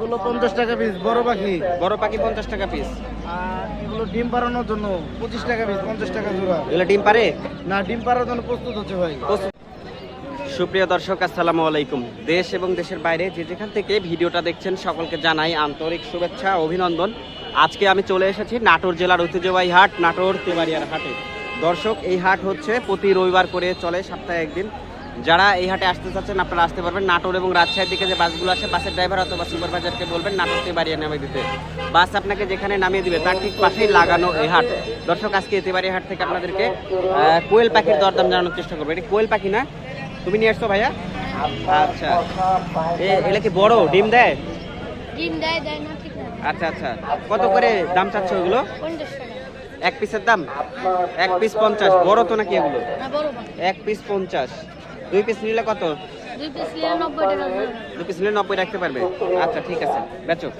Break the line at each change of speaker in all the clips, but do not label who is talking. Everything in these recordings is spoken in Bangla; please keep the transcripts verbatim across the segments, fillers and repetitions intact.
এগুলো পঞ্চাশ টাকা পিস, বড় পাখি।
বড় পাখি পঞ্চাশ টাকা পিস।
আর এগুলো ডিম পাড়ানোর জন্য পঁচিশ টাকা পিস, পঞ্চাশ টাকা জোড়া।
এগুলো ডিম পারে
না, ডিম পাড়ার জন্য প্রস্তুত হচ্ছে ভাই।
সুপ্রিয় দর্শক, আসসালামু আলাইকুম। দেশ এবং দেশের বাইরে যে যেখান থেকে ভিডিওটা দেখছেন সকলকে জানাই আন্তরিক শুভেচ্ছা, অভিনন্দন। আজকে আমি চলে এসেছি নাটোর জেলার ঐতিহ্যবাহী হাট, নাটোর তেবাড়িয়ার হাটে। দর্শক, এই হাট হচ্ছে প্রতি রবিবার করে চলে, সপ্তাহে একদিন। যারা এই হাটে আসতে চাচ্ছেন আপনারা আসতে পারবেন। নাটোর এবং রাজশাহীর দিকে যে বাসগুলো আসে, বাসের ড্রাইভার অথবা সুপারভাইজারকে বলবেন নাটোর তেবাড়িয়া নামিয়ে দিতে। বাস আপনাকে যেখানে নামিয়ে দিবে তার ঠিক পাশেই লাগানো এই হাট। দর্শক, আজকে তেবাড়িয়া হাট থেকে আপনাদেরকে কোয়েল পাখির দরদাম জানানোর চেষ্টা করবো। এটা কোয়েল পাখি না? তুমি নিয়ে আসছো ভাইয়া? আচ্ছা, এগুলো কি বড় ডিম দেয়?
ডিম দেয় দেয় না ঠিক না।
আচ্ছা আচ্ছা, কত করে দাম চাচ্ছ ওগুলো?
পঞ্চাশ টাকা
এক পিসের দাম? এক পিস পঞ্চাশ। বড় তো নাকি এগুলো?
না, বড় পাখি।
এক পিস পঞ্চাশ। দুই পিস নিলে কত?
দুই পিস নিলে নব্বই টাকা করে।
দুই পিস নিলে নব্বই রাখতে পারবে? আচ্ছা ঠিক আছে, বেচো।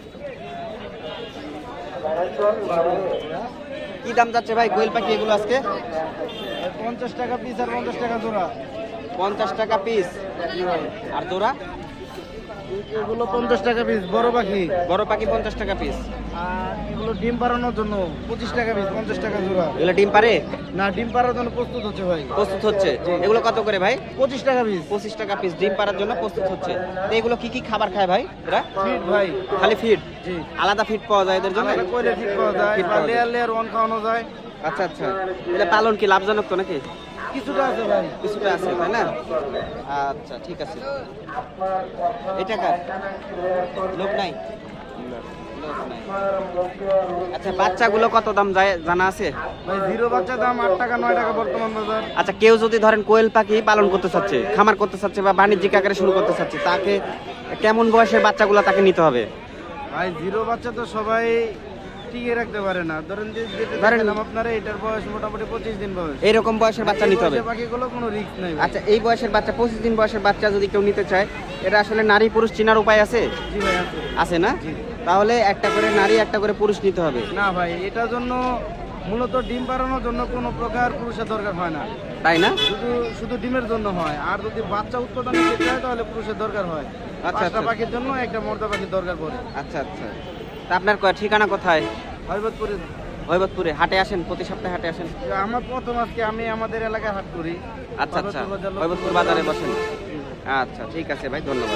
কি দাম যাচ্ছে ভাই কোয়েল পাখি এগুলো আজকে?
পঞ্চাশ টাকা পিস আর পঞ্চাশ টাকা জোড়া।
পঞ্চাশ টাকা পিস আর জোড়া?
এগুলো পঞ্চাশ টাকা পিস, বড় পাখি।
বড় পাখি পঞ্চাশ টাকা পিস।
আর এগুলো ডিম পাড়ানোর জন্য পঁচিশ টাকা পিস, পঞ্চাশ টাকা জোড়া।
এগুলো ডিম পারে?
না, ডিম পাড়ার জন্য প্রস্তুত হচ্ছে ভাই।
প্রস্তুত হচ্ছে। এগুলো কত করে ভাই?
পঁচিশ টাকা পিস।
পঁচিশ টাকা পিস, ডিম পাড়ার জন্য প্রস্তুত হচ্ছে। তো এগুলো কি কি খাবার খায় ভাই এরা?
ফিট ভাই।
খালি ফিড?
জি।
আলাদা ফিড পাওয়া যায় এদের জন্য?
আলাদা কোয়েলের ফিট পাওয়া যায়,
ফিড
বা
পাওয়া যায়।
লেয়ার লেয়ার ওয়ান খাওয়ানো যায়।
আচ্ছা আচ্ছা, এটা পালন কি লাভজনক তো নাকি?
কিছুটা আছে ভাই।
কিছুটা আছে তাই না? আচ্ছা ঠিক আছে। এটা কার? লোক নাই? লোক নাই। আচ্ছা, বাচ্চাগুলো কত দাম যায় জানা আছে?
ভাই জিরো বাচ্চা দাম আট টাকা নয় টাকা বর্তমান বাজার।
আচ্ছা, কেউ যদি ধরেন কোয়েল পাখি পালন করতে চাচ্ছে, খামার করতে চাচ্ছে বা বাণিজ্যিক আকারে শুরু করতে চাচ্ছে, তাকে কেমন বয়সের বাচ্চাগুলো তাকে নিতে হবে?
ভাই জিরো বাচ্চা তো সবাই টিকে রাখতে পারে না। ধরেন যে যেটা
ধরেন-
দেখালাম আপনারা, এটার বয়স মোটামুটি পঁচিশ দিন বয়স।
এইরকম বয়সের বাচ্চা নিতে হবে?
এই বয়সের পাখিগুলো কোনো রিস্ক নাই ভাই।
আচ্ছা, এই বয়সের বাচ্চা, পঁচিশ দিন বয়সের বাচ্চা যদি কেউ নিতে চায়, এটা আসলে নারী পুরুষ চেনার উপায় আছে?
জি ভাই আছে।
আছে না?
জি।
তাহলে একটা করে নারী একটা করে পুরুষ নিতে হবে?
না ভাই, এটার জন্য মূলত ডিম পাড়ানোর জন্য কোনো প্রকার পুরুষের দরকার হয় না,
তাই না?
শুধু শুধু ডিমের জন্য হয়। আর যদি বাচ্চা উৎপাদন করতে হয় তাহলে পুরুষের দরকার হয়।
আচ্ছা,
পাঁচটা
আচ্ছা।
পাখির জন্য একটা মর্দা পাখির দরকার পড়ে।
আচ্ছা আচ্ছা, তা আপনার ক- ঠিকানা কোথায়?
হরিবতপুরে।
হৈবতপুরে হাটে আসেন? প্রতি সপ্তাহে হাটে আসেন?
আমার প্রথম আজকে আমি আমাদের এলাকায় হাট করি।
আচ্ছা আচ্ছা,
হরিবতপুর বাজার-
হৈবতপুর বাজারে বসেন? আচ্ছা ঠিক আছে ভাই, ধন্যবাদ।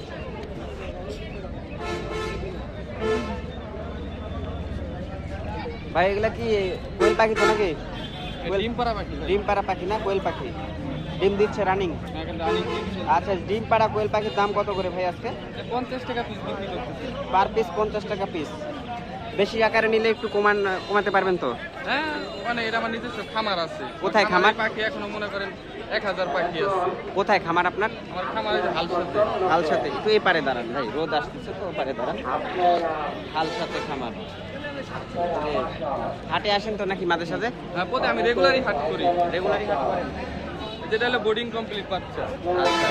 ভাই এগুলা কি কোয়েল পাখি তো নাকি? কোয়েল-
ডিম পাড়া পাখি।
ডিম পাড়া পাখি না কোয়েল পাখি? ডিম দিচ্ছে রানিং? আচ্ছা, ডিম পাড়া কোয়েল পাখির দাম কত করে ভাই আজকে?
পঞ্চাশ টাকা পিস বিক্রি করতেছে।
পার পিস পঞ্চাশ টাকা পিস। বেশি আকারে নিলে একটু কমান কমাতে পারবেন তো?
হ্যাঁ, মানে এটা আমার নিজস্ব খামার আছে।
কোথায় খামার?
পাখি এখনো মনে করেন এক হাজার পাখি আছে।
কোথায় খামার আপনার?
আমার খামার আছে হালসাতে।
হালসাতে। একটু এই পারে দাঁড়ান ভাই, রোদ আসতেছে তো, পারে দাঁড়ান। হালসাতে খামার। এ, হাটে আসেন তো নাকি মাঝে সাঝে?
হ্যাঁ, পথে আমি রেগুলারই হাট করি।
রেগুলারই হাট করেন?
যেটা হলো বোর্ডিং কমপ্লিট বাচ্চা।
আচ্ছা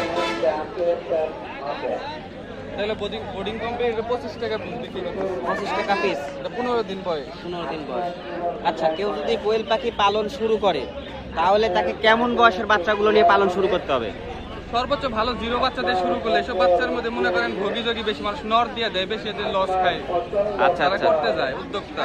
এটা হলো বোর্ডিং বোর্ডিং কমপ্লিট, এটা পঁচিশ টাকা পিস বিক্রি করতেছে।
পঁচিশ টাকা পিস,
এটা পনেরো দিন বয়স।
পনেরো দিন বয়স। আচ্ছা, কেউ যদি কোয়েল পাখি পালন শুরু করে তাহলে তাকে কেমন বয়সের বাচ্চাগুলো নিয়ে পালন শুরু করতে হবে?
সর্বোচ্চ ভালো জিরো বাচ্চা দিয়ে শুরু করলে এসব বাচ্চার মধ্যে মনে করেন ভোগী যোগী বেশি মানুষ নর দিয়ে দেয়, বেশি এদের লস খায়।
আচ্ছা
তারা
আচ্ছা,
করতে যায় উদ্যোক্তা।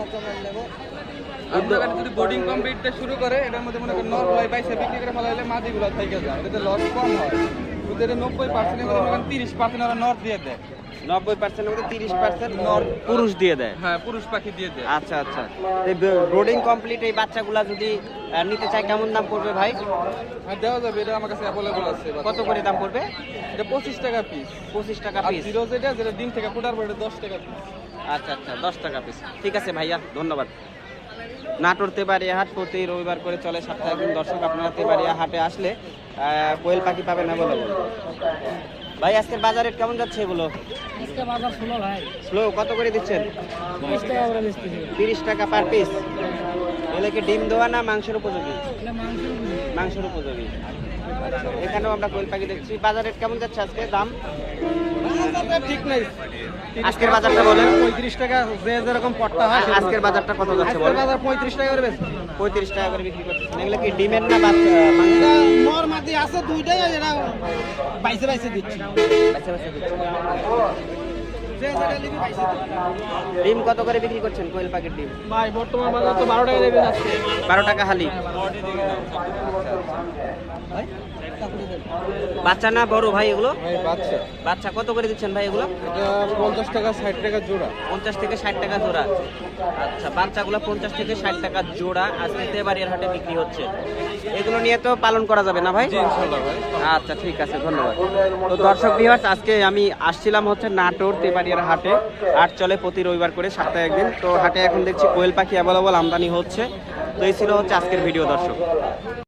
আপনারা যদি বোর্ডিং কমপ্লিট দিয়ে শুরু করে, এটার মধ্যে মনে করেন নর গুলাই বাইসে বিক্রি করে ফেলা হলে মাদিগুলো থেকে যায়, এটাতে লস কম হয়। ওদের নব্বই পার্সেন্টের মধ্যে মনে করেন তিরিশ পার্সেন্ট ওরা নর দিয়ে দেয়।
নব্বই পার্সেন্টের মধ্যে তিরিশ পার্সেন্ট নর পুরুষ দিয়ে দেয়?
হ্যাঁ, পুরুষ পাখি দিয়ে দেয়।
আচ্ছা আচ্ছা, ব্রোডিং কমপ্লিট এই বাচ্চাগুলা যদি আহ, নিতে চাই কেমন দাম পড়বে ভাই?
হ্যাঁ, দেওয়া যাবে, এটা আমার কাছে অ্যাভেলেবল আছে।
কত করে দাম পড়বে?
এটা পঁচিশ টাকা পিস।
পঁচিশ টাকা
আর
পিস?
জিরো যেটা যেটা ডিম থেকে ফুটার পরে দশ টাকা পিস।
আচ্ছা আচ্ছা, দশ টাকা পিস। ঠিক আছে ভাইয়া, ধন্যবাদ। নাটোর তেবাড়িয়া হাট প্রতি রবিবার করে চলে, সপ্তাহে একদিন। দর্শক, আপনারা তেবাড়িয়া হাটে আসলে আহ, কোয়েল পাখি পাবেন অ্যাভেলেবল। ভাই আজকের বাজারে কেমন যাচ্ছে এগুলো?
আজকে বাজার ষোলো ভাই।
স্লো কত করে দিচ্ছেন?
বিশ টাকা করে বেচতে দিই।
তিরিশ টাকা পার পিস। এগুলো কি ডিম দেওয়া না মাংসের উপযোগী?
এটা মাংস
মাংসের উপযোগী। আচ্ছা, এখানেও আমরা কোয়েল পাখি দেখছি। বাজারে কেমন যাচ্ছে আজকে দাম?
ঠিক নাই।
আজকের বাজারটা বলেন।
পঁয়ত্রিশ টাকা যে যেরকম পট্টা হয়।
আ- আজকের বাজারটা কত যাচ্ছে
আজকের
বলেন?
বাজার পঁয়ত্রিশ টাকা করে বেচছে।
পঁয়ত্রিশ টাকা করে বিক্রি করতেছেন। এগুলো কি ডিমের না বাচ্চা মাংস?
এটা নর মাদি আছে দুইটাই, আর এটা বাইসে বাইসে দিচ্ছি।
বাচ্চা বাচ্চা দিচ্ছে। ডিম কত করে বিক্রি করছেন কোয়েল পাখির ডিম?
ভাই বর্তমান বাজার তো বারো টাকা রেটে যাচ্ছে।
বারো টাকা হালি। বাচ্চা না বড় ভাই এগুলো?
ভাই বাচ্চা
বাচ্চা কত করে দিচ্ছেন ভাই এগুলো?
এটা পঞ্চাশ টাকা ষাট টাকা জোড়া।
পঞ্চাশ থেকে ষাট টাকা জোড়া। আচ্ছা, বাচ্চাগুলো পঞ্চাশ থেকে ষাট টাকা জোড়া আজকে তেবাড়িয়ার হাটে বিক্রি হচ্ছে। এগুলো নিয়ে তো পালন করা যাবে না ভাই?
জি ইনশাআল্লাহ ভাই।
আচ্ছা ঠিক আছে, ধন্যবাদ। তো দর্শক ভিউয়ার্স, আজকে আমি আসছিলাম হচ্ছে নাটোর তেবাড়িয়ার হাটে। হাট চলে প্রতি রবিবার করে সপ্তাহে একদিন। তো হাটে এখন দেখছি কোয়েল পাখি অ্যাভেলেবল আমদানি হচ্ছে। তো এই ছিল হচ্ছে আজকের ভিডিও দর্শক।